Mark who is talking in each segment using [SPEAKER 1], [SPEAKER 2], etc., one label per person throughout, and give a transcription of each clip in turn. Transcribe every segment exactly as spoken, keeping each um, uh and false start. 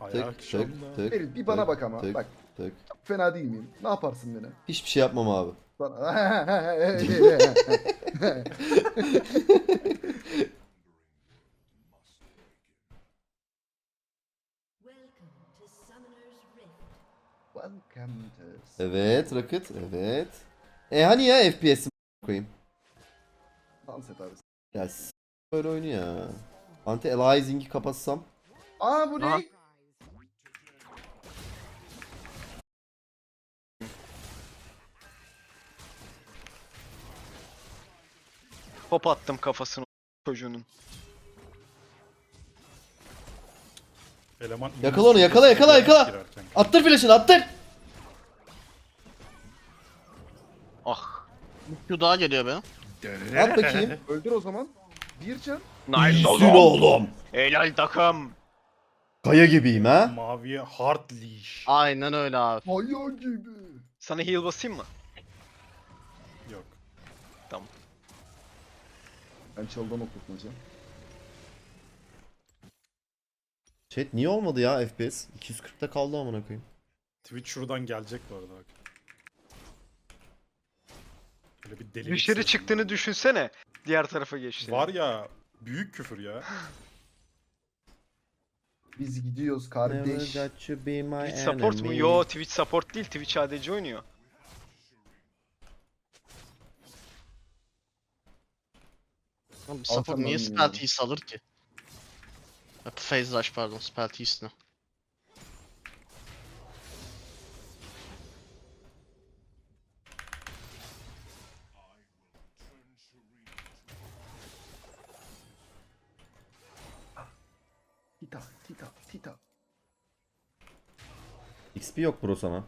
[SPEAKER 1] Ayak
[SPEAKER 2] tık
[SPEAKER 1] şamda.
[SPEAKER 2] tık
[SPEAKER 3] Ferit bir bana
[SPEAKER 2] tık,
[SPEAKER 3] bak ama.
[SPEAKER 2] tık,
[SPEAKER 3] Bak
[SPEAKER 2] tık.
[SPEAKER 3] fena değil miyim? Ne yaparsın beni?
[SPEAKER 2] Hiçbir şey yapmam abi.
[SPEAKER 3] Bana... Welcome to...
[SPEAKER 2] Evet Rocket, evet. E hani ya F P S'i koyayım.
[SPEAKER 3] Dans et abi.
[SPEAKER 2] Ya s- böyle oyunu ya. Anti-aliasing'i kapatsam.
[SPEAKER 3] Aa bu
[SPEAKER 4] Aha.
[SPEAKER 3] ne?
[SPEAKER 4] Pop attım kafasına çocuğunun.
[SPEAKER 1] Eleman
[SPEAKER 2] Yakala onu, yakala, yakala, yakala.
[SPEAKER 1] girerken.
[SPEAKER 2] Attır flash'ını, attır.
[SPEAKER 4] Ah.
[SPEAKER 5] Q daha geliyor be.
[SPEAKER 2] At bakayım.
[SPEAKER 3] Öldür o zaman. Bir can.
[SPEAKER 4] Nice
[SPEAKER 2] İyisin
[SPEAKER 4] oğlum.
[SPEAKER 2] oğlum.
[SPEAKER 4] Helal takım.
[SPEAKER 2] Kaya gibiyim ha.
[SPEAKER 1] Maviye hard leash.
[SPEAKER 5] Aynen öyle abi.
[SPEAKER 3] Hayal gibi.
[SPEAKER 4] Sana heal basayım mı?
[SPEAKER 1] Yok.
[SPEAKER 4] Tamam.
[SPEAKER 3] Ben çaldan okutmayacağım.
[SPEAKER 2] Chat niye olmadı ya F P S? iki yüz kırkta kaldı amına koyayım.
[SPEAKER 1] Twitch şuradan gelecek bu arada bak. Böyle bir deli.
[SPEAKER 4] Dışarı çıktığını düşünsene. Diğer tarafa geçti.
[SPEAKER 1] Var ya büyük küfür ya.
[SPEAKER 3] Biz gidiyoruz
[SPEAKER 2] Never
[SPEAKER 3] kardeş.
[SPEAKER 2] got to be my
[SPEAKER 4] Twitch support mu?
[SPEAKER 2] enemy.
[SPEAKER 4] Yo, Twitch support değil. Twitch A D C oynuyor.
[SPEAKER 5] Oğlum, support
[SPEAKER 3] Arkamdan
[SPEAKER 5] niye
[SPEAKER 3] yürüyorum.
[SPEAKER 5] spell tease alır ki? Hep phase rush pardon, spell tease ne?
[SPEAKER 3] Tita, tita, tita.
[SPEAKER 2] X P yok bro sana.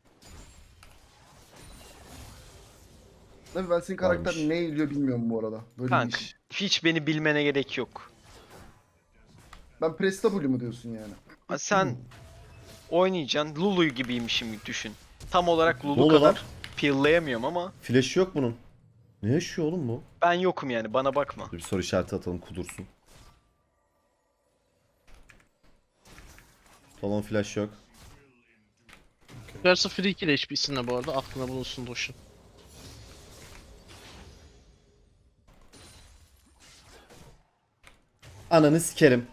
[SPEAKER 3] Tabii ben senin karakter
[SPEAKER 2] Varmış.
[SPEAKER 3] ne eğiliyor bilmiyorum bu arada. Böyle
[SPEAKER 4] Kanka.
[SPEAKER 3] bir iş.
[SPEAKER 4] Hiç beni bilmene gerek yok.
[SPEAKER 3] Ben Press W mu diyorsun yani?
[SPEAKER 4] Ha, Sen oynayacaksın. Lulu gibiymişim düşün. Tam olarak
[SPEAKER 2] Ne
[SPEAKER 4] Lulu
[SPEAKER 2] oluyor
[SPEAKER 4] kadar
[SPEAKER 2] lan?
[SPEAKER 4] pill'layamıyorum ama
[SPEAKER 2] Flash yok bunun. Ne yaşıyor oğlum bu?
[SPEAKER 4] ben yokum yani. Bana bakma.
[SPEAKER 2] Dur bir soru işareti atalım kudursun. Talon flash yok.
[SPEAKER 5] Yarısı free kill H P'sinde bu arada, aklına bulunsun Doş'un.
[SPEAKER 2] Ananı sikerim.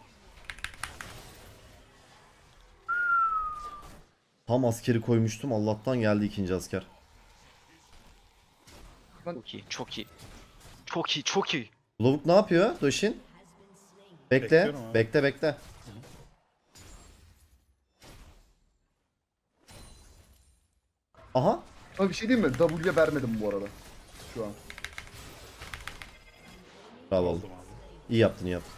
[SPEAKER 2] Tam askeri koymuştum. Allah'tan geldi ikinci asker.
[SPEAKER 4] Çok iyi. Çok iyi. Çok iyi. Çok iyi.
[SPEAKER 2] Lavuk ne yapıyor Doshin? Bekle.
[SPEAKER 1] Bekliyorum abi.
[SPEAKER 2] Bekle bekle. Aha.
[SPEAKER 3] Ama bir şey diyeyim mi? W'ye vermedim bu arada. Şu an.
[SPEAKER 2] Bravo oğlum.
[SPEAKER 1] Aldım abi.
[SPEAKER 2] İyi yaptın iyi yaptın.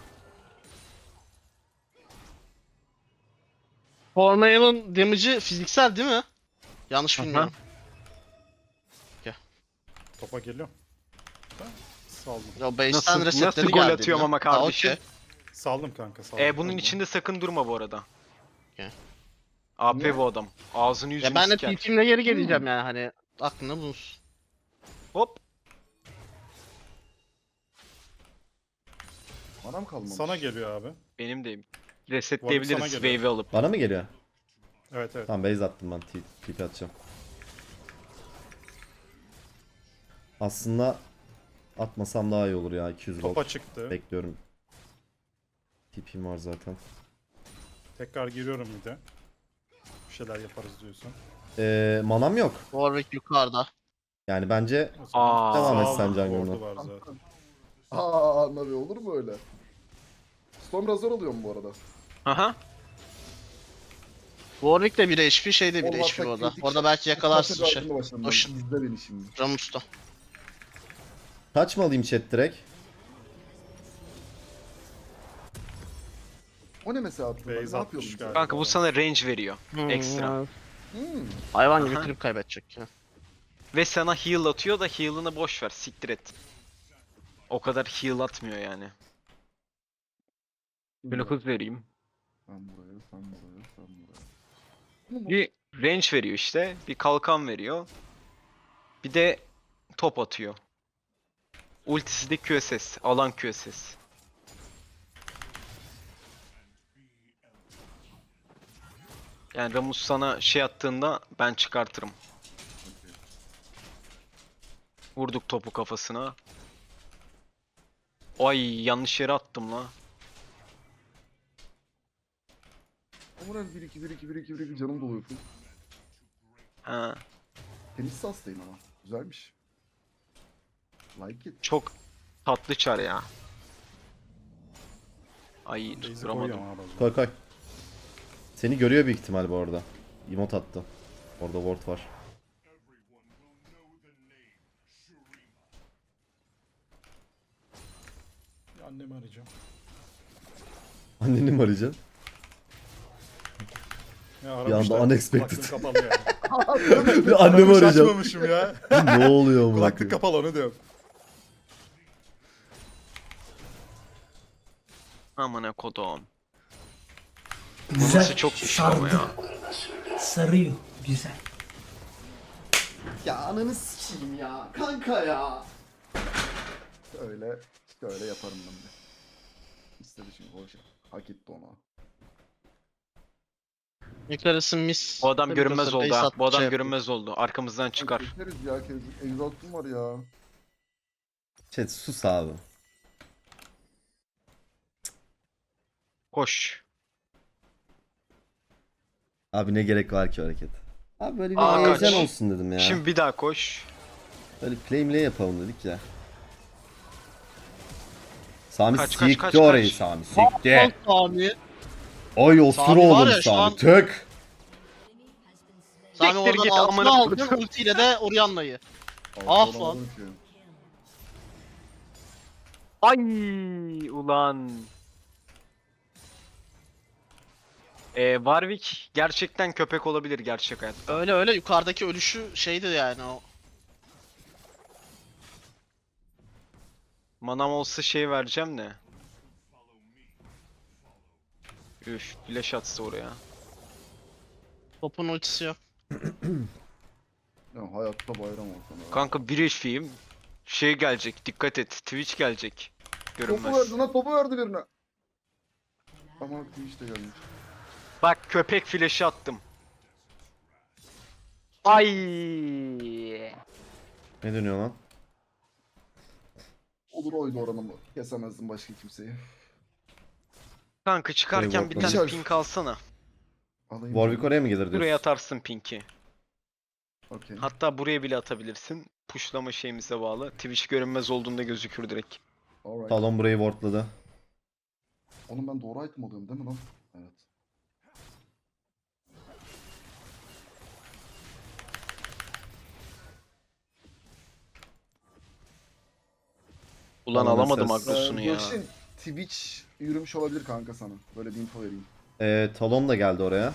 [SPEAKER 5] Tornail'ın damage'i fiziksel değil mi? Yanlış
[SPEAKER 4] Aha.
[SPEAKER 5] bilmiyorum.
[SPEAKER 1] Topa geliyorum. Ha, Saldım.
[SPEAKER 5] Ya base'ten
[SPEAKER 4] Nasıl,
[SPEAKER 5] resetleri
[SPEAKER 4] nasıl gol
[SPEAKER 5] geldi
[SPEAKER 4] atıyorum
[SPEAKER 5] ya.
[SPEAKER 4] ama
[SPEAKER 5] Ha,
[SPEAKER 4] kardeşim.
[SPEAKER 5] okey.
[SPEAKER 1] Saldım kanka saldım.
[SPEAKER 4] E bunun
[SPEAKER 1] Saldım.
[SPEAKER 4] içinde sakın durma bu arada.
[SPEAKER 5] Okey.
[SPEAKER 4] A P
[SPEAKER 3] Niye?
[SPEAKER 4] bu adam. Ağzını yüzünü
[SPEAKER 5] Ya ben de
[SPEAKER 4] siker.
[SPEAKER 5] T P'imle geri geleceğim yani, hani aklında bulunsun.
[SPEAKER 4] Hop.
[SPEAKER 3] Anam kalmamış.
[SPEAKER 1] Sana geliyor abi.
[SPEAKER 4] Benim de
[SPEAKER 1] sana
[SPEAKER 4] resetleyebiliriz
[SPEAKER 1] geliyor.
[SPEAKER 4] wave'i alıp.
[SPEAKER 2] Bana mı geliyor?
[SPEAKER 1] Evet evet.
[SPEAKER 2] Tamam base attım ben. T- TP atacağım. Aslında atmasam daha iyi olur ya. iki yüz
[SPEAKER 1] Topa
[SPEAKER 2] gold.
[SPEAKER 1] çıktı.
[SPEAKER 2] Bekliyorum. T P'm var zaten.
[SPEAKER 1] Tekrar giriyorum bir de. Bir şeyler yaparız diyorsan.
[SPEAKER 2] Ee, manam yok.
[SPEAKER 5] Warwick yukarıda.
[SPEAKER 2] Yani bence
[SPEAKER 1] O zaman
[SPEAKER 4] Aa.
[SPEAKER 2] Devam et
[SPEAKER 1] sağ
[SPEAKER 2] sen
[SPEAKER 1] olun,
[SPEAKER 2] Django'na.
[SPEAKER 1] ordu var zaten.
[SPEAKER 3] Aa Navi olur mu öyle? Storm Razor alıyorum bu arada.
[SPEAKER 4] Aha.
[SPEAKER 5] Warwick de bir H P, şey de bir
[SPEAKER 3] Olmazsa
[SPEAKER 5] H P orada.
[SPEAKER 3] kritik-
[SPEAKER 5] Orada belki yakalarsın
[SPEAKER 3] Zaten
[SPEAKER 5] şey.
[SPEAKER 3] ardına başladım ben.
[SPEAKER 5] Doş'un.
[SPEAKER 3] İzle beni şimdi.
[SPEAKER 5] Ramus'ta.
[SPEAKER 2] kaç mı alayım chat direkt?
[SPEAKER 3] O ne mesela attın?
[SPEAKER 1] Base
[SPEAKER 3] Ne
[SPEAKER 1] atmış
[SPEAKER 3] yapıyordun sen?
[SPEAKER 1] galiba.
[SPEAKER 4] Kanka bu sana range veriyor.
[SPEAKER 5] Hmm,
[SPEAKER 4] Ekstra.
[SPEAKER 5] ya.
[SPEAKER 3] Hmm.
[SPEAKER 5] Hayvan gibi
[SPEAKER 4] Aha.
[SPEAKER 5] klip kaybedecek ya.
[SPEAKER 4] Ve sana heal atıyor da heal'ını boş ver. Siktir et. O kadar heal atmıyor yani. Böyle hız vereyim.
[SPEAKER 3] Sen buraya, sen buraya, sen buraya. Bunu mu?
[SPEAKER 4] Bir range veriyor işte. Bir kalkan veriyor. Bir de top atıyor. Ultisi de Q S S. Alan Q S S. Yani Ramus sana şey attığında ben çıkartırım. Vurduk topu kafasına. Ay yanlış yere attım la.
[SPEAKER 3] Amuran bir iki bir iki bir iki bir iki canım doluyor full.
[SPEAKER 4] Ha,
[SPEAKER 3] Tenis sastayım ama. Güzelmiş. Like it.
[SPEAKER 4] çok tatlı çar ya. Ay
[SPEAKER 1] Basic
[SPEAKER 4] tutturamadım.
[SPEAKER 1] koyuyorum abi. o zaman.
[SPEAKER 2] Koy koy. Seni görüyor büyük ihtimal bu arada. Emote attı. Orada ward var.
[SPEAKER 1] Bir annemi arayacağım.
[SPEAKER 2] Anneni mi arayacaksın?
[SPEAKER 1] Ya
[SPEAKER 2] Bir
[SPEAKER 1] aramışlar,
[SPEAKER 2] anda unexpected.
[SPEAKER 1] kulaklığım kapalı ya.
[SPEAKER 2] Bir annemi
[SPEAKER 1] Aramış,
[SPEAKER 2] arayacağım.
[SPEAKER 1] açmamışım ya.
[SPEAKER 2] Ne oluyor bu?
[SPEAKER 1] Kulaklık kapalı onu diyorum.
[SPEAKER 4] Amına kodum.
[SPEAKER 6] Güzel.
[SPEAKER 4] Burası çok güçlü ama ya.
[SPEAKER 6] Sarıyor. Güzel.
[SPEAKER 2] Ya ananı sikeyim ya. Kanka ya.
[SPEAKER 3] Öyle, işte öyle yaparım ben de. İstedi çünkü hoş. Hak etti ona.
[SPEAKER 5] Nicholas'ın miss.
[SPEAKER 4] Bu adam görünmez oldu ha. Bu adam
[SPEAKER 5] şey
[SPEAKER 4] görünmez oldu. Arkamızdan çıkar.
[SPEAKER 3] Çekeriz ya. Exhaust'um var ya.
[SPEAKER 2] Chat sus abi.
[SPEAKER 4] Koş.
[SPEAKER 2] Abi ne gerek var ki o hareket? Abi böyle bir
[SPEAKER 4] Aa,
[SPEAKER 2] heyecan
[SPEAKER 4] kaç.
[SPEAKER 2] olsun dedim ya.
[SPEAKER 4] Şimdi bir daha koş.
[SPEAKER 2] Böyle play play yapalım dedik ya. Sami
[SPEAKER 4] Kaç, kaç,
[SPEAKER 2] sikti
[SPEAKER 4] kaç,
[SPEAKER 2] orayı
[SPEAKER 4] kaç.
[SPEAKER 2] Sami
[SPEAKER 5] Lan
[SPEAKER 2] sikti.
[SPEAKER 5] Sami.
[SPEAKER 2] Oy osur
[SPEAKER 5] Sami var
[SPEAKER 2] oğlum
[SPEAKER 5] ya, şu
[SPEAKER 2] Sami.
[SPEAKER 5] an-
[SPEAKER 2] Tök.
[SPEAKER 5] Sami
[SPEAKER 4] Siktir
[SPEAKER 5] oradan
[SPEAKER 4] git,
[SPEAKER 5] altına
[SPEAKER 4] amına
[SPEAKER 5] aldın ultiyle de Orianna'yı. Ah
[SPEAKER 3] Altı
[SPEAKER 5] lan.
[SPEAKER 3] olamadım ki.
[SPEAKER 4] Ay ulan. Ee, Warwick gerçekten köpek olabilir gerçek hayatta.
[SPEAKER 5] Öyle öyle yukarıdaki ölüşü şeydi yani o.
[SPEAKER 4] Manam olsa şey vereceğim de. Üf, flash atsa oraya.
[SPEAKER 5] Topun ultisi yok.
[SPEAKER 3] Ya hayatta bayram olsun. ya.
[SPEAKER 4] Kanka bir H P'yim. Şey gelecek, dikkat et. Twitch gelecek.
[SPEAKER 3] Topu
[SPEAKER 4] Görünmez.
[SPEAKER 3] verdi lan, topu verdi birine. Ama işte gelmiş.
[SPEAKER 4] Bak köpek flash'ı attım. Ay.
[SPEAKER 2] Ne dönüyor lan?
[SPEAKER 3] Olur oydu oranımı. Kesemezdim başka kimseyi.
[SPEAKER 4] Kanka çıkarken bir
[SPEAKER 2] Warwick
[SPEAKER 4] tane
[SPEAKER 3] var.
[SPEAKER 4] pink alsana.
[SPEAKER 3] Alayım.
[SPEAKER 2] Warwick oraya mı gelir
[SPEAKER 4] Buraya
[SPEAKER 2] diyorsun?
[SPEAKER 4] atarsın pink'i.
[SPEAKER 3] Okey.
[SPEAKER 4] Hatta buraya bile atabilirsin. Pushlama şeyimize bağlı. Twitch görünmez olduğunda gözükür direkt.
[SPEAKER 3] Alright.
[SPEAKER 2] Talon burayı wardladı.
[SPEAKER 3] Oğlum ben doğru item alıyorum değil mi lan? Evet.
[SPEAKER 4] Ulan
[SPEAKER 2] Tamam,
[SPEAKER 4] alamadım
[SPEAKER 2] ses.
[SPEAKER 4] agrosunu
[SPEAKER 3] Ee,
[SPEAKER 4] ya.
[SPEAKER 3] Gökşin, Twitch yürümüş olabilir kanka sana. Böyle bir info vereyim.
[SPEAKER 2] Ee, Talon da geldi oraya.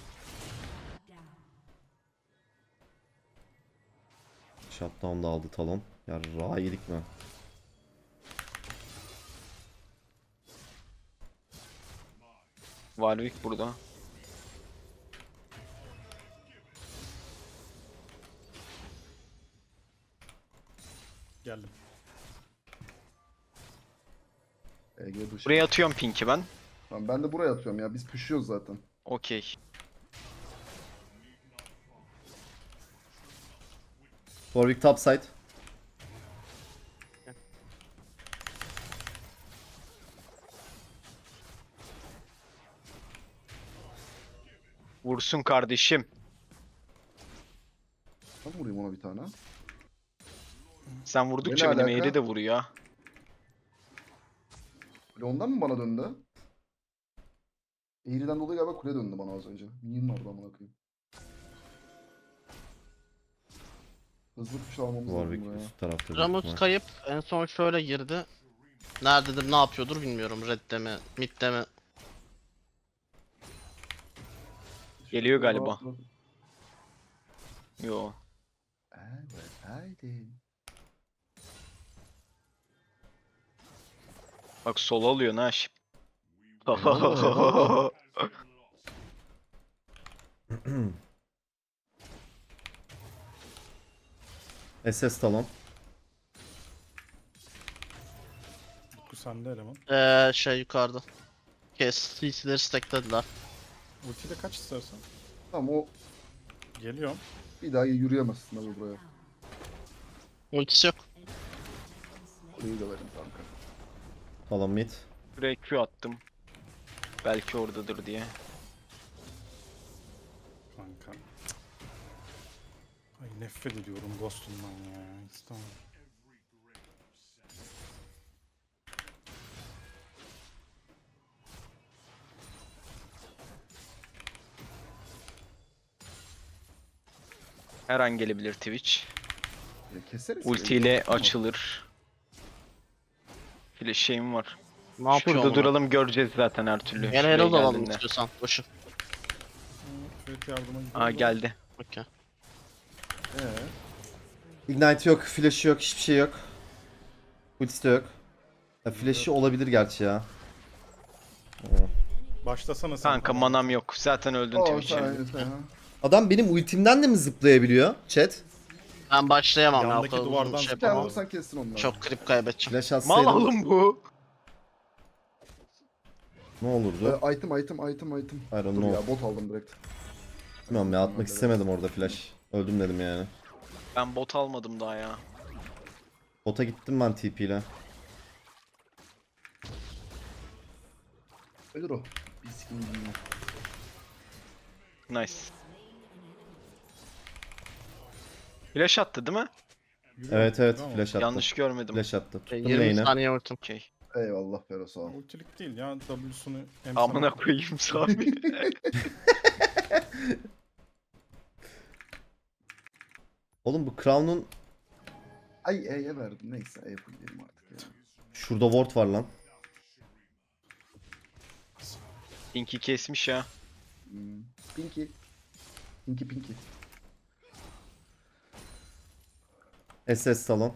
[SPEAKER 2] Shutdown da aldı Talon. Ya raha yedik mi?
[SPEAKER 4] Warwick burada.
[SPEAKER 1] Geldim.
[SPEAKER 3] E G dışı.
[SPEAKER 4] Buraya atıyorum pink'i ben.
[SPEAKER 3] Tamam, ben de buraya atıyorum ya. Biz pushuyoruz zaten.
[SPEAKER 4] Okey.
[SPEAKER 2] Warwick topside.
[SPEAKER 4] Vursun kardeşim.
[SPEAKER 3] Ben vurayım ona bir tane.
[SPEAKER 4] Sen vurdukça
[SPEAKER 3] Ne
[SPEAKER 4] benim
[SPEAKER 3] alaka?
[SPEAKER 4] eğri de vuruyor.
[SPEAKER 3] Böyle ondan mı bana döndü? Eğriden dolayı galiba kule döndü bana az önce. Minyon vardı amına koyayım. Hızlı push almamız lazım
[SPEAKER 2] Warwick
[SPEAKER 3] buraya.
[SPEAKER 2] üst tarafta. büyük
[SPEAKER 5] Ramut
[SPEAKER 2] ihtimal.
[SPEAKER 5] kayıp en son şöyle girdi. Nerededir ne yapıyordur bilmiyorum. Red'de mi mid'de mi.
[SPEAKER 4] Geliyor galiba.
[SPEAKER 3] Rahat rahat.
[SPEAKER 4] Yo.
[SPEAKER 3] Evet, haydi.
[SPEAKER 4] Bak sol alıyor ha şip.
[SPEAKER 2] S S Talon.
[SPEAKER 1] Utku sende eleman.
[SPEAKER 5] Ee, şey yukarıda. Kes C C'leri stacklediler.
[SPEAKER 1] Ultiyle kaç istersen.
[SPEAKER 3] Tamam o
[SPEAKER 1] Geliyorum.
[SPEAKER 3] bir daha yürüyemezsin abi buraya.
[SPEAKER 5] Ultisi yok.
[SPEAKER 3] Burayı da verin kanka.
[SPEAKER 2] Talon mid.
[SPEAKER 4] Buraya Q attım. Belki oradadır diye.
[SPEAKER 1] Kanka. Ay nefret ediyorum Ghost'umdan ya. İstemem.
[SPEAKER 4] Her an gelebilir Twitch.
[SPEAKER 3] Ya keseriz.
[SPEAKER 4] Ultiyle
[SPEAKER 3] Tamam.
[SPEAKER 4] açılır. Flash şeyim var.
[SPEAKER 5] Ne yapıyor
[SPEAKER 4] Şurada
[SPEAKER 5] oğlum?
[SPEAKER 4] duralım, göreceğiz zaten her türlü.
[SPEAKER 5] Gel
[SPEAKER 4] Şuraya
[SPEAKER 5] Herald alalım
[SPEAKER 4] geldiğinde.
[SPEAKER 5] istiyorsan. Boşu.
[SPEAKER 1] Evet yardıma gidiyorum.
[SPEAKER 4] Aa geldi.
[SPEAKER 5] Okey.
[SPEAKER 3] Ee,
[SPEAKER 2] Ignite yok, flash'ı yok, hiçbir şey yok. Ultisi de yok. Ya flash'ı olabilir gerçi ya.
[SPEAKER 1] Başlasana sen.
[SPEAKER 4] Kanka manam yok. Zaten öldün
[SPEAKER 3] o
[SPEAKER 4] Twitch'e.
[SPEAKER 3] sen, sen, ha.
[SPEAKER 2] Adam benim ultimden de mi zıplayabiliyor? Chat.
[SPEAKER 5] Ben başlayamam ya. o
[SPEAKER 1] Yandaki
[SPEAKER 5] kadar uzun
[SPEAKER 1] duvardan
[SPEAKER 5] şey
[SPEAKER 1] zıpla.
[SPEAKER 3] Gel
[SPEAKER 5] yapamam.
[SPEAKER 3] vursan kessin onları.
[SPEAKER 5] Çok krip kaybedeceğim.
[SPEAKER 2] Flash
[SPEAKER 4] Mal
[SPEAKER 2] atsaydım
[SPEAKER 4] oğlum bu.
[SPEAKER 2] ne olurdu?
[SPEAKER 3] Ee, item item item item.
[SPEAKER 2] I don't
[SPEAKER 3] Dur
[SPEAKER 2] know.
[SPEAKER 3] ya bot aldım direkt.
[SPEAKER 2] Bilmiyorum ya, atmak istemedim orada flash. Öldüm dedim yani.
[SPEAKER 4] Ben bot almadım daha ya.
[SPEAKER 2] Bota gittim ben T P ile.
[SPEAKER 3] Ölür o. Bir sikim bilmiyorum.
[SPEAKER 4] Nice. Flash attı değil mi?
[SPEAKER 1] Yürüyorum,
[SPEAKER 2] Evet evet
[SPEAKER 1] yürüyorum.
[SPEAKER 2] flash attı.
[SPEAKER 4] Yanlış görmedim.
[SPEAKER 2] Flash attı. Tuttum
[SPEAKER 5] yirmi
[SPEAKER 2] lane'i.
[SPEAKER 5] saniye ultim.
[SPEAKER 4] Okey.
[SPEAKER 3] Eyvallah Fero sağ ol.
[SPEAKER 1] Ultilik değil ya. W'sunu hem
[SPEAKER 4] Amına
[SPEAKER 1] sana-
[SPEAKER 4] koyayım Sami.
[SPEAKER 2] Oğlum bu Crown'un
[SPEAKER 3] Ay E'ye verdim neyse E yapayım artık ya.
[SPEAKER 2] şurada ward var lan.
[SPEAKER 4] Pinky kesmiş ya.
[SPEAKER 3] Hmm. Pinky. Pinky Pinky.
[SPEAKER 2] S S Talon.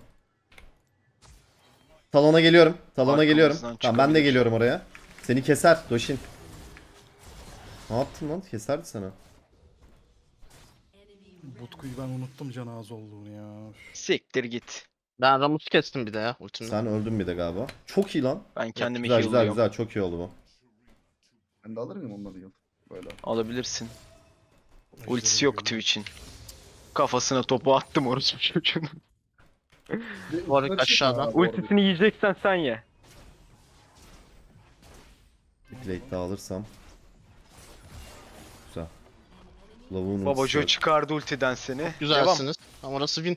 [SPEAKER 2] Talon'a geliyorum. Talon'a
[SPEAKER 4] Arkamızdan
[SPEAKER 2] geliyorum. Tamam ben de
[SPEAKER 4] çıkabilir.
[SPEAKER 2] geliyorum oraya. Seni keser Doshin. Ne yaptın lan? Keserdi sana.
[SPEAKER 1] Butku'yu ben unuttum can az olduğunu ya. Üf.
[SPEAKER 4] Siktir git.
[SPEAKER 5] Ben Ramus kestim bir de ya ultimle.
[SPEAKER 2] Sen öldün bir de galiba. Çok iyi lan.
[SPEAKER 4] Ben kendimi
[SPEAKER 2] Güzel güzel
[SPEAKER 4] heal'lıyorum.
[SPEAKER 2] güzel çok iyi oldu bu.
[SPEAKER 3] Ben de alır mıyım onları yıl? Böyle.
[SPEAKER 4] Alabilirsin.
[SPEAKER 1] Ejderi
[SPEAKER 4] Ultisi yok
[SPEAKER 1] görüyorum.
[SPEAKER 4] Twitch'in. Kafasına topu attım orası çocuğun.
[SPEAKER 3] Bir-
[SPEAKER 5] Warwick
[SPEAKER 3] bir şey
[SPEAKER 5] aşağıdan.
[SPEAKER 3] var, Warwick.
[SPEAKER 4] Ultisini yiyeceksen sen ye.
[SPEAKER 2] Bir plate daha alırsam. Güzel. Lavuğun
[SPEAKER 4] Babajo
[SPEAKER 2] ultisi yok.
[SPEAKER 4] çıkardı ultiden seni. Devam.
[SPEAKER 5] Güzelsiniz. Ama orası win.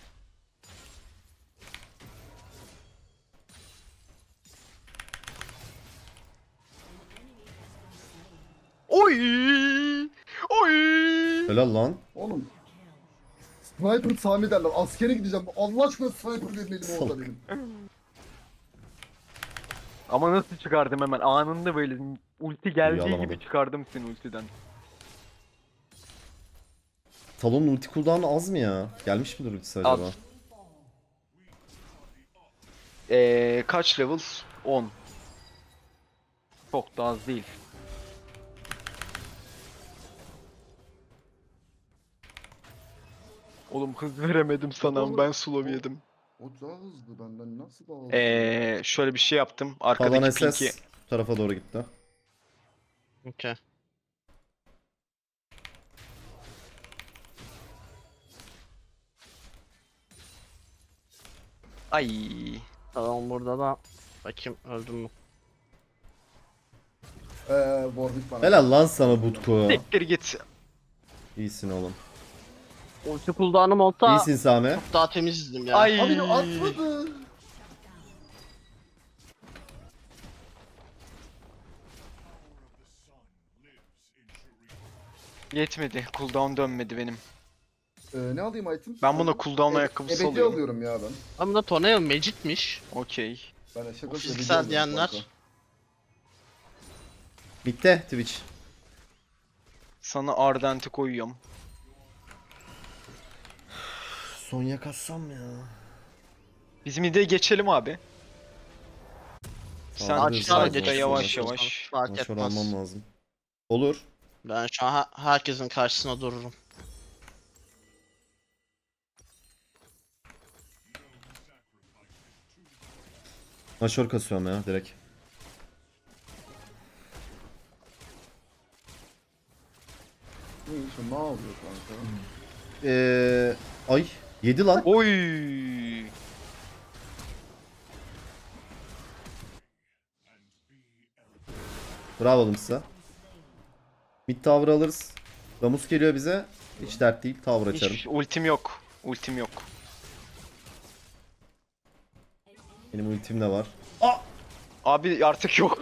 [SPEAKER 4] Oy! Oy!
[SPEAKER 2] Helal lan.
[SPEAKER 3] Oğlum. Sniper Sami derler. Askere gideceğim. Allah aşkına sniper verin elime orada benim.
[SPEAKER 4] Ama nasıl çıkardım hemen anında böyle ulti geldiği
[SPEAKER 2] alamadım.
[SPEAKER 4] gibi çıkardım seni ultiden.
[SPEAKER 2] Talon'un ulti cooldown'u az mı ya? Gelmiş midir ultisi
[SPEAKER 4] Az.
[SPEAKER 2] acaba?
[SPEAKER 4] Ee, kaç level? on. Çok da az değil. Oğlum hız veremedim sana, ben slow yedim.
[SPEAKER 3] O daha hızlı benden nasıl daha hızlı?
[SPEAKER 4] Ee, şöyle bir şey yaptım.
[SPEAKER 2] Talon
[SPEAKER 4] Arkadaki
[SPEAKER 2] S
[SPEAKER 4] pinki
[SPEAKER 2] S bu tarafa doğru gitti.
[SPEAKER 5] Okey.
[SPEAKER 4] ay
[SPEAKER 5] Tamam burada da bakayım öldüm mü?
[SPEAKER 3] Eee Warwick bana.
[SPEAKER 2] Helal lan sana Butku.
[SPEAKER 4] siktir git.
[SPEAKER 2] İyisin oğlum.
[SPEAKER 5] Ulti cooldown'um olsa
[SPEAKER 2] İyisin Sami.
[SPEAKER 5] çok daha temizdim ya.
[SPEAKER 4] Ay.
[SPEAKER 3] Abi atmadı.
[SPEAKER 4] Yetmedi. Cooldown dönmedi benim.
[SPEAKER 3] Ee, ne alayım item?
[SPEAKER 4] Ben buna cooldown
[SPEAKER 3] E-
[SPEAKER 4] ayakkabısı
[SPEAKER 3] ebedi
[SPEAKER 4] alıyorum.
[SPEAKER 3] alıyorum ya ben.
[SPEAKER 5] Ama da Tornado Magic'miş.
[SPEAKER 4] Okey.
[SPEAKER 3] Ben şaka
[SPEAKER 5] O
[SPEAKER 3] ebedi
[SPEAKER 5] fiziksel
[SPEAKER 3] alıyorum
[SPEAKER 5] diyenler.
[SPEAKER 3] kanka.
[SPEAKER 2] Bitti Twitch.
[SPEAKER 4] Sana Ardent'i koyuyorum.
[SPEAKER 2] Sonya kassam ya.
[SPEAKER 4] Biz mid'e geçelim abi. Sen
[SPEAKER 2] Alırız,
[SPEAKER 5] Aşağı
[SPEAKER 2] alırız,
[SPEAKER 4] side'da
[SPEAKER 5] geç.
[SPEAKER 4] yavaş
[SPEAKER 2] alırız.
[SPEAKER 4] yavaş.
[SPEAKER 5] Fark
[SPEAKER 2] Maşor
[SPEAKER 5] etmez.
[SPEAKER 2] almam lazım. Olur.
[SPEAKER 5] Ben şu an ha- herkesin karşısına dururum.
[SPEAKER 2] Maşor kasıyorum ya direkt.
[SPEAKER 3] Ne işin ne oluyor kanka?
[SPEAKER 2] Eee ay yedi lan.
[SPEAKER 4] Oy.
[SPEAKER 2] Bravo oğlum size. Mid tower alırız. Ramus geliyor bize. Hiç dert değil. Tower açarım.
[SPEAKER 4] Hiç ultim yok. Ultim yok.
[SPEAKER 2] Benim ultim de var.
[SPEAKER 4] Abi artık yok.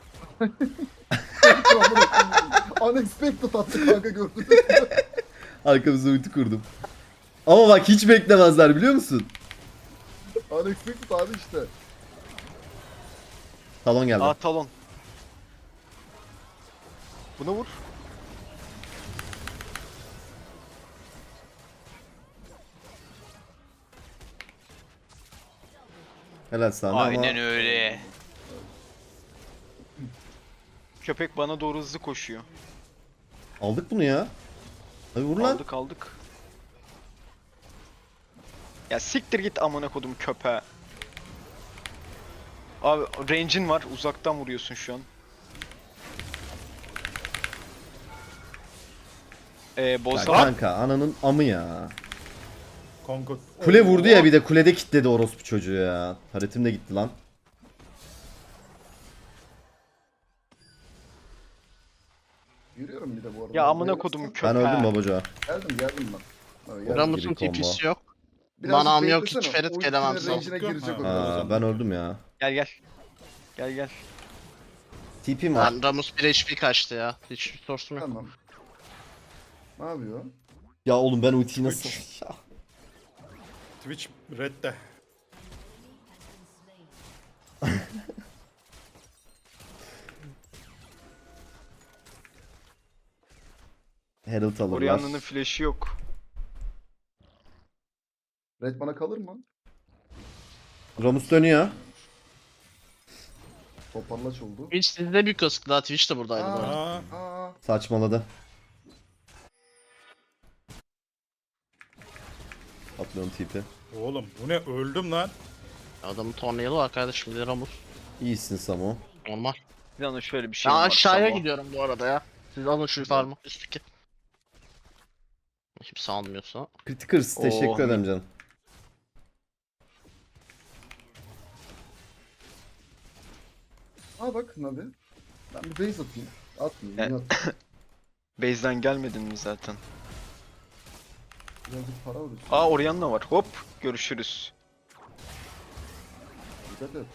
[SPEAKER 3] Unexpected attı kanka gördün.
[SPEAKER 2] Arkamıza ulti kurdum. Ama bak hiç beklemezler biliyor musun?
[SPEAKER 3] Unexpected abi işte.
[SPEAKER 2] Talon geldi.
[SPEAKER 4] Aa talon. Buna vur.
[SPEAKER 2] Helal sana ama
[SPEAKER 4] Aynen öyle. Köpek bana doğru hızlı koşuyor.
[SPEAKER 2] aldık bunu ya. Hadi vur lan.
[SPEAKER 4] Aldık aldık. Ya siktir git amına kodum köpeğe. Abi range'in var. Uzaktan vuruyorsun şu an. Ee,
[SPEAKER 2] Ya
[SPEAKER 4] Bozda.
[SPEAKER 2] kanka ananın amı ya.
[SPEAKER 1] Kongo.
[SPEAKER 2] Kule vurdu ya bir de kulede kilitledi orospu çocuğu ya. Taretim de gitti lan.
[SPEAKER 3] Yürüyorum bir de bu arada.
[SPEAKER 4] Ya amına
[SPEAKER 3] Bayılırsın.
[SPEAKER 4] kodum
[SPEAKER 2] Ben
[SPEAKER 4] köpeğe.
[SPEAKER 2] öldüm babaca.
[SPEAKER 3] Geldim geldim ben. Evet, geldim.
[SPEAKER 5] Ramus'un
[SPEAKER 2] gibi combo.
[SPEAKER 5] tipisi yok.
[SPEAKER 3] Birazcık
[SPEAKER 5] Manam yok, hiç
[SPEAKER 3] beklesene.
[SPEAKER 5] Ferit
[SPEAKER 3] Ultinin
[SPEAKER 5] gelemem
[SPEAKER 3] range'ine
[SPEAKER 1] sana.
[SPEAKER 3] girecek o.
[SPEAKER 1] Ha.
[SPEAKER 2] Aa, ben öldüm ya.
[SPEAKER 4] Gel gel. Gel gel.
[SPEAKER 2] T P'm var.
[SPEAKER 5] Ben Ramus bir H P kaçtı ya. Hiç source'um yok.
[SPEAKER 3] Tamam. Ne yapıyor?
[SPEAKER 2] Ya oğlum ben ultiyi nasıl... Ya.
[SPEAKER 1] Twitch redde.
[SPEAKER 2] Herald alırlar.
[SPEAKER 4] Orianna'nın flash'i yok.
[SPEAKER 3] Red bana kalır mı?
[SPEAKER 2] Ramus dönüyor.
[SPEAKER 3] Toparlaç oldu.
[SPEAKER 5] Twitch sizde bir kısık daha. Twitch de buradaydı bu arada.
[SPEAKER 1] Aa,
[SPEAKER 3] Aa,
[SPEAKER 2] Saçmaladı. Atlıyorum tipi.
[SPEAKER 1] oğlum bu ne, öldüm lan.
[SPEAKER 5] Adamın tornayalı var kardeşim. Bir de Ramus.
[SPEAKER 2] İyisin Samo.
[SPEAKER 5] Normal.
[SPEAKER 4] Bir anda şöyle bir şey
[SPEAKER 5] Ben
[SPEAKER 4] var.
[SPEAKER 5] aşağıya
[SPEAKER 4] Samo.
[SPEAKER 5] gidiyorum bu arada ya. Siz alın şu farmı. Üstteki. Kimse almıyorsa.
[SPEAKER 2] Criticers teşekkür
[SPEAKER 4] Oh.
[SPEAKER 2] ederim canım.
[SPEAKER 3] aa bak Nabi. Ben bir base atayım. Atmayayım.
[SPEAKER 4] E-
[SPEAKER 3] niye atayım?
[SPEAKER 4] Base'den gelmedin mi zaten?
[SPEAKER 3] Birazcık para alırız.
[SPEAKER 4] Aa Orianna var. Hop görüşürüz.
[SPEAKER 3] Dikkat et.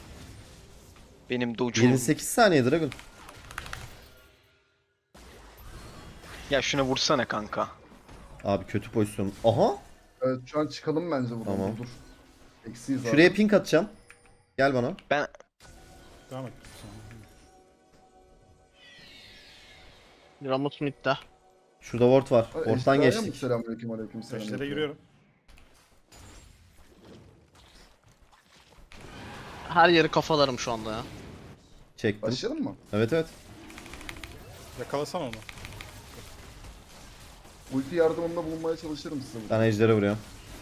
[SPEAKER 4] Benim doçum.
[SPEAKER 2] yirmi sekiz saniye Dragon.
[SPEAKER 4] Ya şuna vursana kanka.
[SPEAKER 2] Abi kötü pozisyon. Aha.
[SPEAKER 3] Evet şu an çıkalım bence buradan.
[SPEAKER 2] Tamam.
[SPEAKER 3] Dur. Eksiyiz abi.
[SPEAKER 2] Şuraya pink atacağım. Gel bana.
[SPEAKER 1] Devam et.
[SPEAKER 5] Ramus midde.
[SPEAKER 2] Şurada ward var.
[SPEAKER 3] Ay,
[SPEAKER 2] Ward'dan
[SPEAKER 3] ejderhaya mı?
[SPEAKER 2] geçtik.
[SPEAKER 3] Selamünaleyküm aleyküm selam.
[SPEAKER 1] Seçlere yürüyorum.
[SPEAKER 5] Her yeri kafalarım şu anda ya.
[SPEAKER 2] Çektim.
[SPEAKER 3] Başlayalım mı?
[SPEAKER 2] Evet evet.
[SPEAKER 1] Yakalasana onu.
[SPEAKER 3] Ulti yardımında bulunmaya çalışırım size.
[SPEAKER 2] Ben ejdere vuruyorum.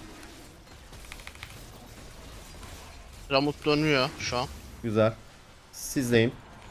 [SPEAKER 5] Ramus dönüyor şu an.
[SPEAKER 2] Güzel. Sizdeyim.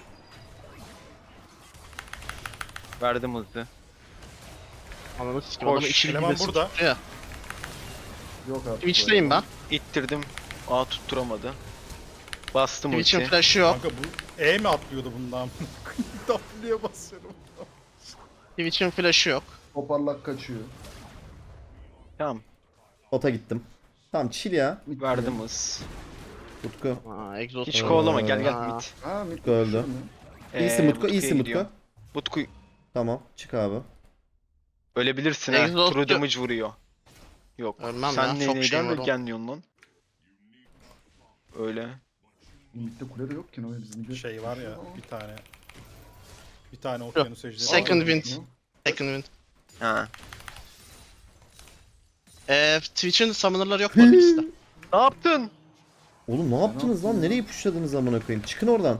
[SPEAKER 4] Verdim hızlı.
[SPEAKER 5] Ananı sikim
[SPEAKER 4] Hoş,
[SPEAKER 5] adamı işi
[SPEAKER 1] eleman
[SPEAKER 5] gibi
[SPEAKER 1] burada.
[SPEAKER 5] tutuyor.
[SPEAKER 3] Yok artık.
[SPEAKER 5] Twitch'teyim ben.
[SPEAKER 4] İttirdim. A tutturamadı. Bastım
[SPEAKER 5] Twitch'in
[SPEAKER 4] ulti.
[SPEAKER 5] flash'ı yok.
[SPEAKER 1] Kanka bu E mi atlıyordu bundan? W'ye basıyorum.
[SPEAKER 5] Twitch'in flash'ı yok.
[SPEAKER 3] Toparlak kaçıyor.
[SPEAKER 4] Tamam.
[SPEAKER 2] Bota gittim. Tamam chill ya.
[SPEAKER 3] Mid
[SPEAKER 4] Verdim hız.
[SPEAKER 2] Utku.
[SPEAKER 5] Aa, exhaust.
[SPEAKER 4] Hiç kovalama gel gel
[SPEAKER 5] Aa.
[SPEAKER 4] mid.
[SPEAKER 3] Ha mid
[SPEAKER 2] Öldü.
[SPEAKER 3] düşüyor mu?
[SPEAKER 2] İyisin
[SPEAKER 4] Ee,
[SPEAKER 2] Mutku,
[SPEAKER 4] Butku'ya
[SPEAKER 2] iyisin
[SPEAKER 4] gidiyor.
[SPEAKER 2] Mutku.
[SPEAKER 4] Butku
[SPEAKER 2] Tamam, çık abi.
[SPEAKER 4] ölebilirsin ha.
[SPEAKER 5] Exhaust
[SPEAKER 4] True
[SPEAKER 5] yok.
[SPEAKER 4] damage vuruyor. Yok.
[SPEAKER 5] Ölmem
[SPEAKER 4] Sen
[SPEAKER 5] ya,
[SPEAKER 4] ne
[SPEAKER 5] çok
[SPEAKER 4] neyden
[SPEAKER 5] şeyim var o.
[SPEAKER 4] genliyorsun lan? Öyle.
[SPEAKER 3] Mid'de kule de yok ki ne bizim bir
[SPEAKER 1] Şey var ya bir tane. Bir tane okyanus ejderi.
[SPEAKER 5] Second
[SPEAKER 1] var.
[SPEAKER 5] wind. Second wind.
[SPEAKER 4] Ha.
[SPEAKER 5] Eee Twitch'in summoner'ları yok bu arada ikisi de.
[SPEAKER 4] Ne yaptın?
[SPEAKER 2] Oğlum ne yaptınız lan? Nereye pushladınız amına koyayım? Çıkın oradan.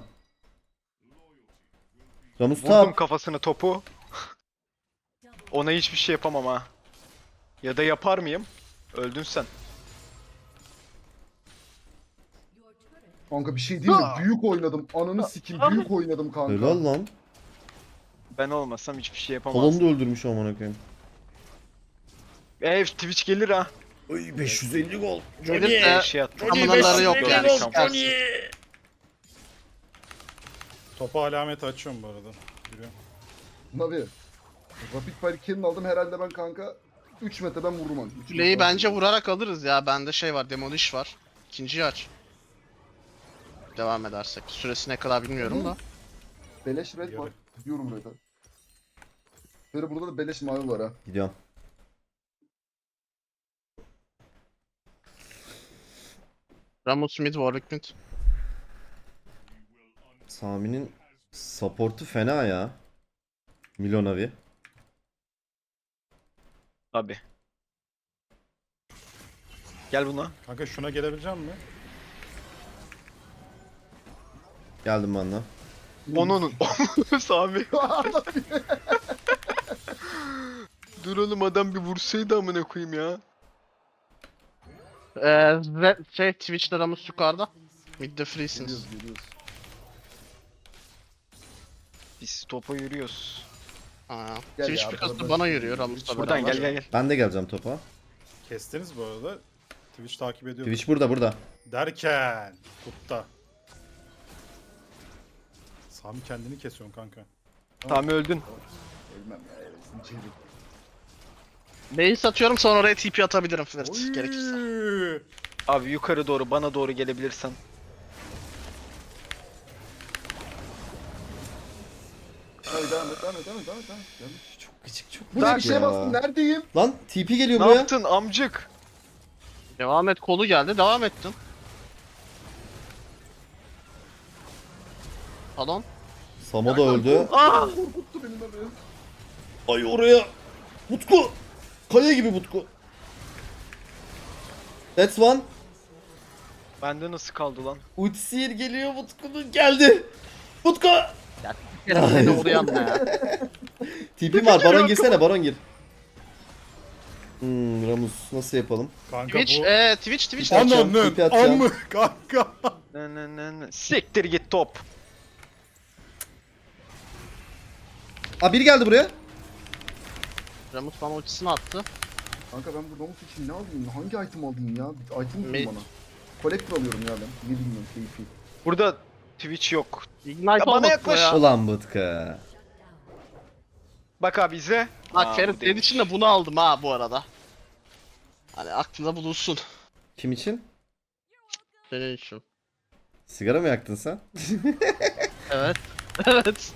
[SPEAKER 2] Ramus
[SPEAKER 4] Vurdum
[SPEAKER 2] tap.
[SPEAKER 4] kafasına topu. Ona hiçbir şey yapamam ha. Ya da yapar mıyım? Öldün sen.
[SPEAKER 3] Kanka bir şey değil mi? Büyük oynadım. Ananı sikim büyük oynadım kanka.
[SPEAKER 2] Helal lan.
[SPEAKER 4] Ben olmasam hiçbir şey yapamazdım.
[SPEAKER 2] Talon da öldürmüş amına koyayım.
[SPEAKER 4] Ev Twitch gelir ha.
[SPEAKER 2] Ay beş yüz elli gol.
[SPEAKER 5] Gelip
[SPEAKER 4] Ee,
[SPEAKER 5] de
[SPEAKER 4] şey attı.
[SPEAKER 5] tamınaları yok
[SPEAKER 4] Johnny
[SPEAKER 5] yani.
[SPEAKER 4] beş yüz
[SPEAKER 5] Çıkarsın.
[SPEAKER 1] Topa alameti açıyorum bu arada. Giriyorum.
[SPEAKER 3] Navi. Rapid Fire Cannon aldım herhalde ben kanka. üç metre ben vururum abi. Üç
[SPEAKER 5] Kuleyi
[SPEAKER 3] metre.
[SPEAKER 5] bence vurarak alırız ya. Bende şey var, Demolish var. İkinciyi aç. Devam edersek. Süresi ne kadar bilmiyorum da.
[SPEAKER 3] Beleş red var. Gidiyorum red'e. Böyle burada da beleş mavi var ha.
[SPEAKER 2] Gidiyorum.
[SPEAKER 5] Ramus mid, Warwick mid.
[SPEAKER 2] Sami'nin support'u fena ya. Milonavi.
[SPEAKER 4] Abi. Gel buna.
[SPEAKER 1] Kanka şuna gelebilecek mi?
[SPEAKER 2] Geldim ben de.
[SPEAKER 4] Onun. Sami. Dur oğlum adam bir vursaydı amına koyayım ya.
[SPEAKER 5] Ee, Red, şey Twitch'te Ramus yukarıda. Mid'de freesiniz.
[SPEAKER 3] Geliyoruz geliyoruz.
[SPEAKER 4] Biz topa yürüyoruz.
[SPEAKER 5] Aa.
[SPEAKER 3] Gel
[SPEAKER 5] Twitch
[SPEAKER 3] ya,
[SPEAKER 5] bir kası
[SPEAKER 3] arkadan
[SPEAKER 5] bana
[SPEAKER 3] şey
[SPEAKER 5] yürüyor
[SPEAKER 3] yürüyor.
[SPEAKER 5] Ramus'la
[SPEAKER 4] Buradan
[SPEAKER 5] beraber.
[SPEAKER 4] gel gel gel.
[SPEAKER 2] Ben de geleceğim topa.
[SPEAKER 1] Kestiniz bu arada. Twitch takip ediyor.
[SPEAKER 2] Twitch burada burada.
[SPEAKER 1] Derken. Kutta. Sami kendini kesiyorsun kanka.
[SPEAKER 4] Sami öldün.
[SPEAKER 3] Ölmem ya. Evresin çevik.
[SPEAKER 5] Base atıyorum sonra oraya T P atabilirim Flirt gerekirse.
[SPEAKER 1] Oy!
[SPEAKER 4] Abi yukarı doğru bana doğru gelebilirsen.
[SPEAKER 3] Hadi devam et devam et devam et devam et. devam et. Geldim.
[SPEAKER 2] Çok küçük çok
[SPEAKER 3] Bu ne bir şeye bastım neredeyim?
[SPEAKER 2] Lan T P geliyor
[SPEAKER 4] Ne
[SPEAKER 2] buraya.
[SPEAKER 4] yaptın amcık?
[SPEAKER 5] Devam et, kolu geldi, devam ettin. Talon.
[SPEAKER 2] Samo da öldü.
[SPEAKER 4] Aa!
[SPEAKER 3] Korkuttu beni Navi.
[SPEAKER 2] Ay oraya. Utku. Kaya gibi Utku. That's one.
[SPEAKER 4] Bende nasıl kaldı lan?
[SPEAKER 2] Utsir geliyor Utku'nun geldi. Utku.
[SPEAKER 5] Seni uğrayan ne ya?
[SPEAKER 2] T P var. Baron girsene. Baron gir. Hmm, Ramus nasıl yapalım?
[SPEAKER 1] Kanka
[SPEAKER 5] Twitch,
[SPEAKER 1] bu...
[SPEAKER 5] eee Twitch, Twitch.
[SPEAKER 2] Twitch. atacağım,
[SPEAKER 1] Ananın
[SPEAKER 2] tipi atacağım.
[SPEAKER 1] amı kanka.
[SPEAKER 4] Ne ne ne ne. Siktir git top.
[SPEAKER 2] Aa biri geldi buraya.
[SPEAKER 5] Ramus bana ultisini attı.
[SPEAKER 3] Kanka ben bu Ramus için ne alayım? Hangi item alayım ya? Bir item
[SPEAKER 5] Mid.
[SPEAKER 3] bulun bana. Collector alıyorum ya ben. Ne bilmiyorum keyfi.
[SPEAKER 4] Burada Twitch yok.
[SPEAKER 5] Ignite
[SPEAKER 4] bana
[SPEAKER 5] olmasın
[SPEAKER 4] yaklaş.
[SPEAKER 5] ya.
[SPEAKER 2] Ulan Bıtkı.
[SPEAKER 4] Bak abi izle.
[SPEAKER 5] Bak
[SPEAKER 4] Aa,
[SPEAKER 5] Ferit
[SPEAKER 4] bu
[SPEAKER 5] senin
[SPEAKER 4] değilmiş.
[SPEAKER 5] için de bunu aldım ha bu arada. Hani aklında bulunsun.
[SPEAKER 2] Kim için?
[SPEAKER 5] Senin için.
[SPEAKER 2] Sigara mı yaktın sen?
[SPEAKER 5] Evet. Evet.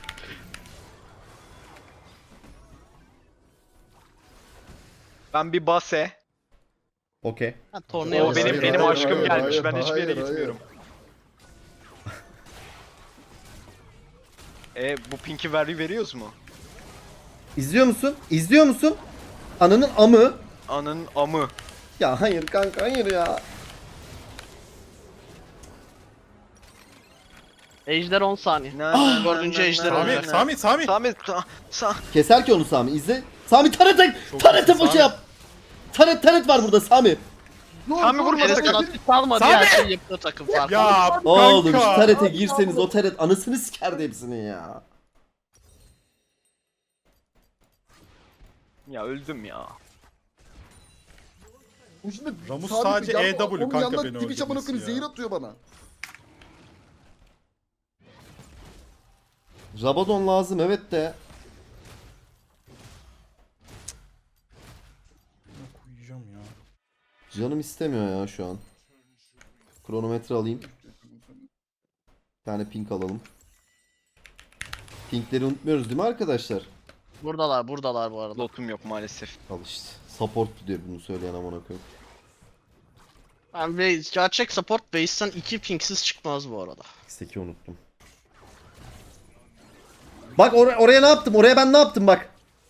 [SPEAKER 4] Ben bir base.
[SPEAKER 2] Okey.
[SPEAKER 5] Ha, tornaya
[SPEAKER 4] O
[SPEAKER 3] Hayır,
[SPEAKER 4] benim
[SPEAKER 3] hayır,
[SPEAKER 4] benim
[SPEAKER 3] hayır,
[SPEAKER 4] aşkım
[SPEAKER 3] hayır,
[SPEAKER 4] gelmiş.
[SPEAKER 3] hayır,
[SPEAKER 4] Ben hiçbir yere
[SPEAKER 3] hayır, hayır.
[SPEAKER 4] gitmiyorum. E bu pinki vergi veriyoruz mu?
[SPEAKER 2] İzliyor musun? İzliyor musun? Ananın amı.
[SPEAKER 4] Anın amı.
[SPEAKER 2] Ya hayır kanka hayır ya.
[SPEAKER 5] Ejder on saniye.
[SPEAKER 4] Na, na,
[SPEAKER 5] dördüncü
[SPEAKER 4] na, na,
[SPEAKER 5] ejder
[SPEAKER 4] na,
[SPEAKER 1] Sami,
[SPEAKER 4] na,
[SPEAKER 5] olacak.
[SPEAKER 4] na.
[SPEAKER 1] Sami, Sami.
[SPEAKER 4] Sami, sa, sa.
[SPEAKER 2] Keser ki onu Sami izle. Sami taret
[SPEAKER 1] Çok
[SPEAKER 2] taret
[SPEAKER 1] iyisin,
[SPEAKER 2] boşu
[SPEAKER 1] Sami.
[SPEAKER 2] yap. Taret taret var burada Sami.
[SPEAKER 4] Sami vurma
[SPEAKER 5] Ferit
[SPEAKER 4] sakın.
[SPEAKER 5] sana tip almadı
[SPEAKER 1] Sami!
[SPEAKER 5] her şeyi yapıyor takım farkı.
[SPEAKER 1] Ya
[SPEAKER 2] Oğlum şu
[SPEAKER 1] kanka.
[SPEAKER 2] tarete girseniz o taret anasını sikerdi hepsinin ya.
[SPEAKER 4] Ya öldüm ya.
[SPEAKER 3] Bu şimdi
[SPEAKER 1] Ramus
[SPEAKER 3] sabit
[SPEAKER 1] sadece
[SPEAKER 3] bir yan-
[SPEAKER 1] E W
[SPEAKER 3] onun
[SPEAKER 1] kanka
[SPEAKER 3] yanına
[SPEAKER 1] beni
[SPEAKER 3] Twitch amına
[SPEAKER 1] öldürmesi
[SPEAKER 3] koyayım
[SPEAKER 1] ya.
[SPEAKER 3] zehir atıyor bana.
[SPEAKER 2] Rabadon lazım evet de.
[SPEAKER 1] Koyacağım ya.
[SPEAKER 2] Canım istemiyor ya şu an. Kronometre alayım. Bir tane pink alalım. Pinkleri unutmuyoruz değil mi arkadaşlar?
[SPEAKER 5] Buradalar, buradalar bu arada.
[SPEAKER 4] Lotum yok maalesef.
[SPEAKER 2] Al işte. Support diyor bunu söyleyen amına koyayım.
[SPEAKER 5] Ben base, gerçek support base'ten iki pinksiz çıkmaz bu arada.
[SPEAKER 2] X'teki unuttum. Bak or- oraya ne yaptım? Oraya ben ne yaptım bak.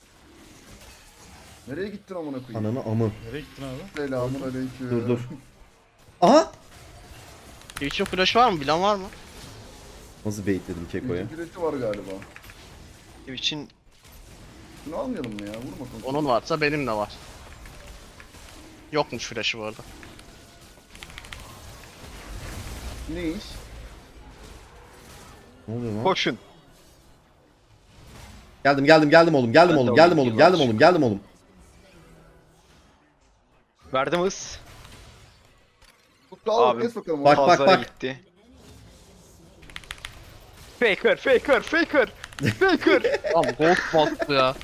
[SPEAKER 3] Nereye gittin amına koyayım?
[SPEAKER 2] Ananı amı.
[SPEAKER 1] Nereye gittin abi?
[SPEAKER 3] Selamun aleyküm.
[SPEAKER 2] Dur dur. Aha!
[SPEAKER 5] Twitch'in flash'ı var mı? Bilen var mı?
[SPEAKER 2] Nasıl baitledim Keko'ya?
[SPEAKER 3] Integrity var galiba.
[SPEAKER 4] için
[SPEAKER 3] Şunu almayalım mı ya? Vurma kanka.
[SPEAKER 5] Onun varsa benim de var. Yokmuş flash'ı bu arada.
[SPEAKER 3] Ne iş?
[SPEAKER 2] Ne oluyor lan?
[SPEAKER 4] koşun.
[SPEAKER 2] Geldim geldim geldim oğlum geldim
[SPEAKER 4] Ben de
[SPEAKER 2] oğlum geldim
[SPEAKER 4] olayım
[SPEAKER 2] oğlum geldim
[SPEAKER 4] yavaş.
[SPEAKER 2] oğlum geldim oğlum.
[SPEAKER 4] Verdim hız.
[SPEAKER 3] Tutku al
[SPEAKER 4] Abi,
[SPEAKER 3] kes bakalım.
[SPEAKER 2] Bak,
[SPEAKER 3] onu.
[SPEAKER 2] bak,
[SPEAKER 4] Pazara
[SPEAKER 2] bak.
[SPEAKER 4] gitti. Faker, faker, faker. Faker.
[SPEAKER 5] Abi gold bot bu ya.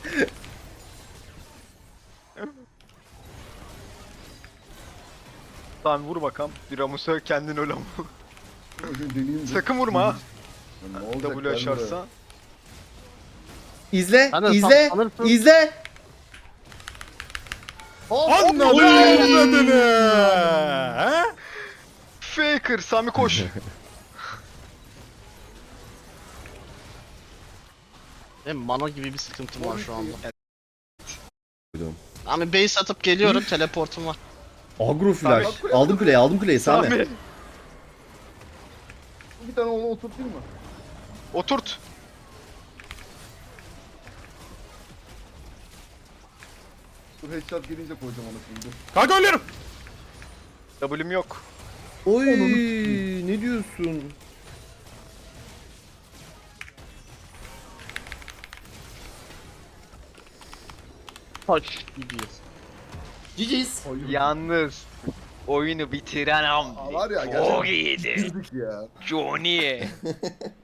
[SPEAKER 4] Tamam vur bakalım. Bir Ramus'a kendin öl ama.
[SPEAKER 3] Önce deneyeyim de.
[SPEAKER 4] Sakın vurma ha.
[SPEAKER 3] Ya ne olacak
[SPEAKER 4] W
[SPEAKER 3] bende?
[SPEAKER 4] açarsa.
[SPEAKER 2] İzle
[SPEAKER 5] Sen de
[SPEAKER 2] izle
[SPEAKER 5] sanırsın.
[SPEAKER 2] izle.
[SPEAKER 1] Anladın avradını. Ha?
[SPEAKER 4] Faker, Sami koş.
[SPEAKER 5] Benim mana gibi bir sıkıntım var şu anda.
[SPEAKER 2] Duydum.
[SPEAKER 5] Abi base atıp geliyorum, teleportum var.
[SPEAKER 2] Agro flash. Aldım kuleyi aldım kuleyi Sami.
[SPEAKER 4] Sami.
[SPEAKER 3] Bir tane onu oturtayım mı?
[SPEAKER 4] Oturt.
[SPEAKER 3] Dur headshot gelince koyacağım onu şimdi. Dur.
[SPEAKER 1] Kanka ölüyorum.
[SPEAKER 4] W'm yok.
[SPEAKER 2] Oy
[SPEAKER 3] Onun-
[SPEAKER 2] ne diyorsun?
[SPEAKER 5] Taş gibiyiz.
[SPEAKER 2] Ciciz.
[SPEAKER 3] Hayır.
[SPEAKER 4] Yalnız oyunu bitiren
[SPEAKER 3] Aa,
[SPEAKER 4] hamdi.
[SPEAKER 3] var ya
[SPEAKER 4] Çok
[SPEAKER 3] gerçekten
[SPEAKER 4] iyiydi.
[SPEAKER 3] girdik ya.
[SPEAKER 4] Johnny.